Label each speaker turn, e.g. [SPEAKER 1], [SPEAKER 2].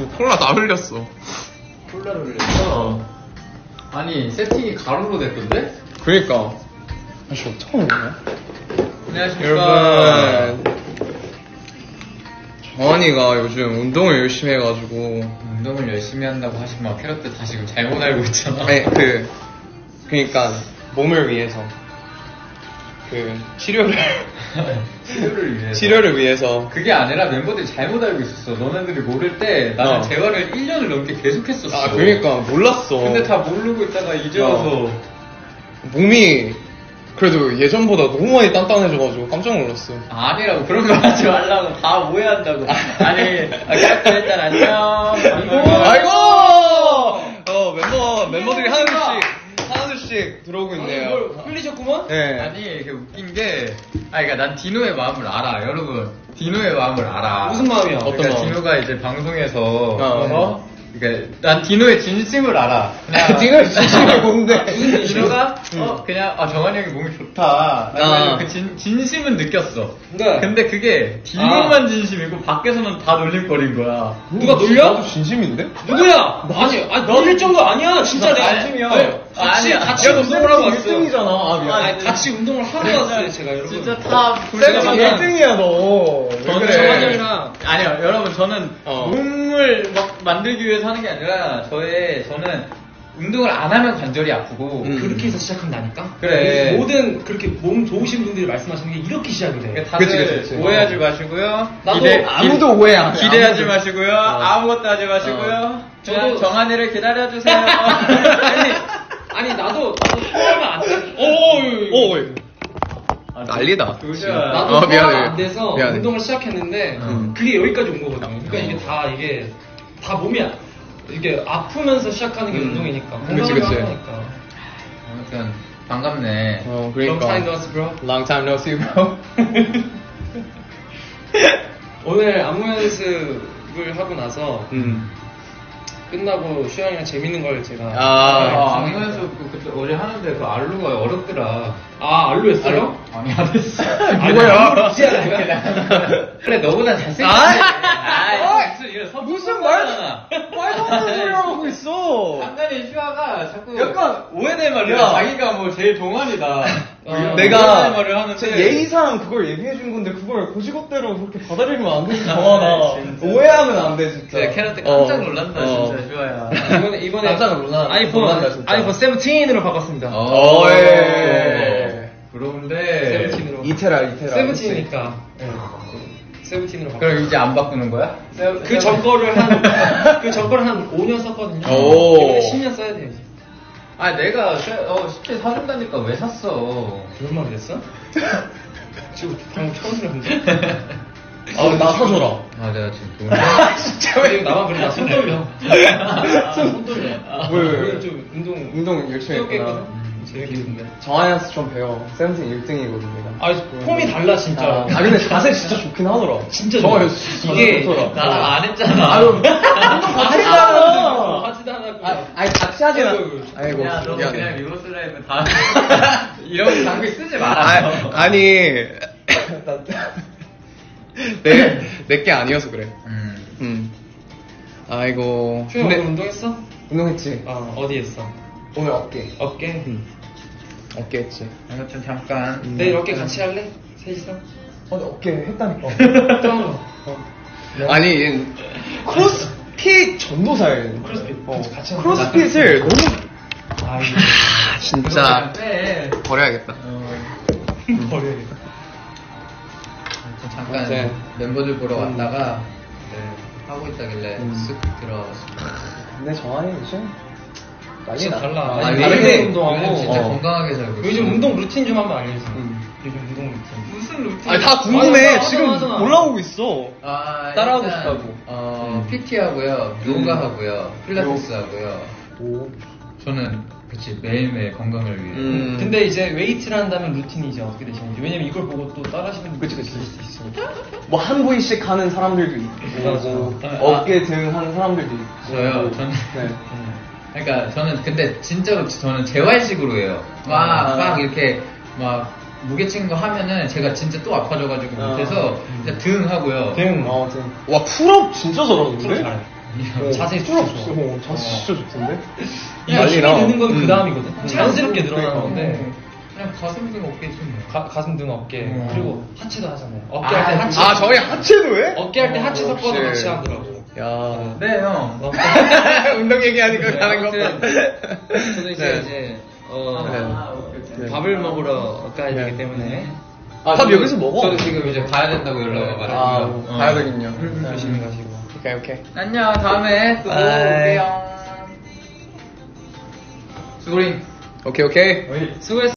[SPEAKER 1] 콜라 다 흘렸어.
[SPEAKER 2] 콜라를 흘렸어? 아니 세팅이 가로로 됐던데?
[SPEAKER 1] 그러니까. 아씨 어떡하는 거야?
[SPEAKER 2] 안녕하십니까
[SPEAKER 1] 여러분. 정한이가 요즘 운동을 열심히 해가지고.
[SPEAKER 2] 운동을 열심히 한다고 하시면 캐럿들 다 지금 잘못 알고 있잖아.
[SPEAKER 1] 아니 그니까 몸을 위해서 치료를
[SPEAKER 2] 치료를 위해서.
[SPEAKER 1] 위해서.
[SPEAKER 2] 그게 아니라 멤버들이 잘못 알고 있었어. 너네들이 모를 때 나는 재활을 1년을 넘게 계속했었어.
[SPEAKER 1] 아 그러니까 몰랐어.
[SPEAKER 2] 근데 다 모르고 있다가 이제 와서
[SPEAKER 1] 몸이 그래도 예전보다 너무 많이 단단해져가지고 깜짝 놀랐어.
[SPEAKER 2] 아니라고 그런 거 하지 말라고 다 오해한다고. 아니 캐럿들 일단 안녕.
[SPEAKER 1] 아이고 멤버들이 하나둘씩 들어오고 있네요.
[SPEAKER 2] 뭘 흘리셨구먼?
[SPEAKER 1] 네.
[SPEAKER 2] 아니 이게 웃긴 게 그러니까 난 디노의 마음을 알아. 여러분 디노의 마음을 알아.
[SPEAKER 3] 무슨 마음이야?
[SPEAKER 2] 그러니까
[SPEAKER 1] 어떤 마음?
[SPEAKER 2] 디노가 이제 방송에서 그러니까 난 디노의 진심을 알아.
[SPEAKER 1] 디노의 진심이 뭔데?
[SPEAKER 2] 디노가 그냥 정한이 형이 몸이 좋다. 그 진심은 느꼈어.
[SPEAKER 3] 네.
[SPEAKER 2] 근데 그게 디노만 진심이고 밖에서는 다 놀림거린 거야.
[SPEAKER 3] 누가 놀려?
[SPEAKER 1] 나도 진심인데?
[SPEAKER 3] 누구야? 아니 놀릴 정도 아니야. 진짜 내가
[SPEAKER 1] 진심이야.
[SPEAKER 3] 같이 운동을 하고 왔어.
[SPEAKER 1] 1등이잖아. 아 미안.
[SPEAKER 3] 아니 같이 운동을 하고 왔어요 제가 여러분.
[SPEAKER 2] 진짜 다
[SPEAKER 1] 세븐틴 1등이야 너.
[SPEAKER 2] 저는
[SPEAKER 3] 정한이 형이랑
[SPEAKER 2] 아니요 여러분 저는 몸을 막 만들기 위해서 하는 게 아니라 저는 운동을 안 하면 관절이 아프고
[SPEAKER 3] 그렇게 해서 시작한다니까?
[SPEAKER 2] 그래.
[SPEAKER 3] 모든 그렇게 몸 좋으신 분들이 말씀하시는 게 이렇게 시작이 돼.
[SPEAKER 2] 그러니까 다들
[SPEAKER 1] 그치.
[SPEAKER 2] 오해하지 마시고요.
[SPEAKER 3] 나도
[SPEAKER 1] 아무도 오해 안 해.
[SPEAKER 2] 기대하지 마시고요. 아무것도 하지 마시고요. 그냥
[SPEAKER 3] 저도-
[SPEAKER 2] 정한이를 기다려주세요.
[SPEAKER 3] 아니 나도 소화가 안 돼.
[SPEAKER 1] 난리다.
[SPEAKER 3] 나도 소화가
[SPEAKER 1] 미안해.
[SPEAKER 3] 안 돼서
[SPEAKER 1] 미안해.
[SPEAKER 3] 운동을 시작했는데 그게 여기까지 온 거거든요. 그러니까 이게 다 몸이 이게 아프면서 시작하는 게 운동이니까.
[SPEAKER 1] 그치.
[SPEAKER 3] 건강하게 하니까.
[SPEAKER 2] 아무튼 반갑네.
[SPEAKER 3] Long
[SPEAKER 1] 그러니까.
[SPEAKER 3] time no see, bro.
[SPEAKER 1] Long time no see, bro.
[SPEAKER 3] 오늘 안무 연습을 하고 나서 끝나고 슈양이랑 재밌는 걸 제가
[SPEAKER 2] 악무에서 그때 어제 하는데 그 알루가 어렵더라.
[SPEAKER 3] 알로 했어요?
[SPEAKER 2] 아니 안 했어.
[SPEAKER 1] 뭐야?
[SPEAKER 2] 그래 너보다 잘생겼어.
[SPEAKER 1] 무슨 말도 안 되는 소리 하고 있어.
[SPEAKER 2] 상관이 슈아가 자꾸
[SPEAKER 1] 약간
[SPEAKER 2] 오해될 말을 해.
[SPEAKER 1] 야.
[SPEAKER 2] 자기가 뭐 제일 동안이다.
[SPEAKER 1] 내가
[SPEAKER 2] 오해될 말을 하는데
[SPEAKER 1] 예의상 그걸 얘기해 준 건데 그걸 고지것대로 그렇게 받아들이면 안 되지
[SPEAKER 2] 아,
[SPEAKER 1] 정하나.
[SPEAKER 2] 진짜.
[SPEAKER 1] 오해하면 안 돼 진짜.
[SPEAKER 2] 네, 캐럿들 깜짝 놀란다 진짜 슈아야.
[SPEAKER 3] 이번에
[SPEAKER 1] 깜짝 놀란다, 진짜.
[SPEAKER 3] 아이폰 17으로 바꿨습니다.
[SPEAKER 1] 예.
[SPEAKER 2] 그런데
[SPEAKER 3] 17으로.
[SPEAKER 1] 이테라.
[SPEAKER 3] 17이니까. 17으로 바꿨.
[SPEAKER 2] 그럼 이제 안 바꾸는 거야?
[SPEAKER 3] 그 전거를 한 5년 썼거든요.
[SPEAKER 1] 오.
[SPEAKER 3] 이번에 10년 써야 돼요. 이제.
[SPEAKER 2] 아 내가 10개 사준다니까 왜 샀어?
[SPEAKER 3] 그런 말을 했어? 지금 방금 처음 들었는데.
[SPEAKER 1] 나 사줘라.
[SPEAKER 2] 아 내가 지금 돈
[SPEAKER 3] 진짜 왜 나만 그래? 나 손 떨려. 손 떨려.
[SPEAKER 1] 왜?
[SPEAKER 3] 오늘 좀
[SPEAKER 1] 운동 열심히
[SPEAKER 3] 뜨겁게
[SPEAKER 1] 했구나.
[SPEAKER 3] 했거든. 재밌겠는데.
[SPEAKER 1] 정한이한테 좀 배워. 세븐틴 1등이거든 내가.
[SPEAKER 3] 폼이 달라 진짜.
[SPEAKER 1] 근데 자세 진짜 좋긴 하더라.
[SPEAKER 3] 진짜
[SPEAKER 1] 정한이
[SPEAKER 3] 좋아.
[SPEAKER 1] 진짜
[SPEAKER 3] 이게
[SPEAKER 1] 좋더라.
[SPEAKER 2] 나랑 안 했잖아.
[SPEAKER 1] 운동 같이 했잖아.
[SPEAKER 3] 하지도 않았고.
[SPEAKER 1] 아니 같이 하진 않아.
[SPEAKER 3] 아이고.
[SPEAKER 2] 야, 너
[SPEAKER 1] 미안해.
[SPEAKER 2] 그냥 리버스 라이브 다 이런 장비 쓰지 마라.
[SPEAKER 1] 아니 내게 아니어서 그래. 아이고.
[SPEAKER 3] 슈영 오늘 운동했어?
[SPEAKER 1] 운동했지.
[SPEAKER 3] 어디 했어?
[SPEAKER 1] 오늘 어깨.
[SPEAKER 3] 어깨?
[SPEAKER 1] 어깨 했지.
[SPEAKER 2] 아무튼 잠깐.
[SPEAKER 3] 내일 어깨 같이 할래? 셋이서?
[SPEAKER 1] 근데 어깨 했다니까.
[SPEAKER 3] 또 한 번.
[SPEAKER 1] 아니 얘는 크로스핏 전도사예요.
[SPEAKER 3] 크로스핏. 같이 하는
[SPEAKER 1] 크로스핏을 너무
[SPEAKER 3] 아이고.
[SPEAKER 1] 진짜
[SPEAKER 2] 빼.
[SPEAKER 1] 버려야겠다.
[SPEAKER 3] 버려야겠다.
[SPEAKER 2] 아무튼 잠깐
[SPEAKER 1] 네.
[SPEAKER 2] 멤버들 보러 왔다가 하고 있다길래 쓱 들어왔습니다.
[SPEAKER 1] 근데 정한이 요즘
[SPEAKER 3] 진짜 달라.
[SPEAKER 1] 아니,
[SPEAKER 3] 아니,
[SPEAKER 1] 다르게
[SPEAKER 3] 다르게 운동하고.
[SPEAKER 2] 요즘 진짜 건강하게 살고 있어.
[SPEAKER 3] 요즘 운동 루틴 좀 한번 알려줘. 요즘 운동 루틴.
[SPEAKER 2] 무슨 루틴?
[SPEAKER 1] 아니 다 궁금해.
[SPEAKER 3] 맞아,
[SPEAKER 1] 지금
[SPEAKER 3] 맞아.
[SPEAKER 1] 올라오고 있어. 따라하고
[SPEAKER 2] 일단,
[SPEAKER 1] 싶다고.
[SPEAKER 2] PT 하고요, 요가 하고요, 필라테스 하고요.
[SPEAKER 1] 오.
[SPEAKER 2] 저는 그치 매일매일 건강을 위해.
[SPEAKER 3] 근데 이제 웨이트를 한다면 루틴이 이제 어떻게 되시는지. 왜냐면 이걸 보고 또 따라 하시는 분들이
[SPEAKER 1] 그치.
[SPEAKER 3] 있을 수 있어.
[SPEAKER 1] 뭐 한 부위씩 하는 사람들도 있고,
[SPEAKER 3] 맞아.
[SPEAKER 1] 어깨 등 하는 사람들도 있고.
[SPEAKER 2] 저요, 저는.
[SPEAKER 1] 네.
[SPEAKER 2] 그러니까 저는 근데 진짜로 저는 재활식으로 해요. 막 이렇게 막 무게 치는 거 하면은 제가 진짜 또 아파져가지고 못해서 그냥 등 하고요.
[SPEAKER 3] 등.
[SPEAKER 1] 와 풀업 진짜
[SPEAKER 3] 프로
[SPEAKER 1] 잘하는데?
[SPEAKER 3] 잘해. 자세히
[SPEAKER 1] 필요
[SPEAKER 3] 좋죠.
[SPEAKER 1] 없어. 자세 진짜 좋던데?
[SPEAKER 3] 그냥 힘이
[SPEAKER 1] 난리나.
[SPEAKER 3] 느는 건 그 다음이거든. 자연스럽게 늘어나는 건데.
[SPEAKER 2] 그냥 가슴 등 어깨 좀.
[SPEAKER 3] 가슴 등 어깨 그리고 하체도 하잖아요. 어깨
[SPEAKER 2] 아,
[SPEAKER 3] 할 때 하체.
[SPEAKER 1] 아, 저희 하체도 해?
[SPEAKER 3] 어깨 할 때 하체 섞어서
[SPEAKER 1] 역시.
[SPEAKER 3] 같이 하더라고.
[SPEAKER 1] 야.
[SPEAKER 2] 네, 형.
[SPEAKER 1] 운동 얘기하니까 가는 거.
[SPEAKER 4] 저도 이제
[SPEAKER 1] 네. 네.
[SPEAKER 4] 밥을 먹으러 가야 되기 때문에
[SPEAKER 1] 밥 여기서 먹어?
[SPEAKER 2] 저도 지금 이제 가야 된다고 연락 와가지고.
[SPEAKER 1] 가야 되겠군요.
[SPEAKER 3] 조심히 가시고.
[SPEAKER 1] 오케이.
[SPEAKER 2] 안녕, 다음에 또
[SPEAKER 1] 바이.
[SPEAKER 2] 올게요. 수고링.
[SPEAKER 1] 오케이.
[SPEAKER 4] 수고했습니다.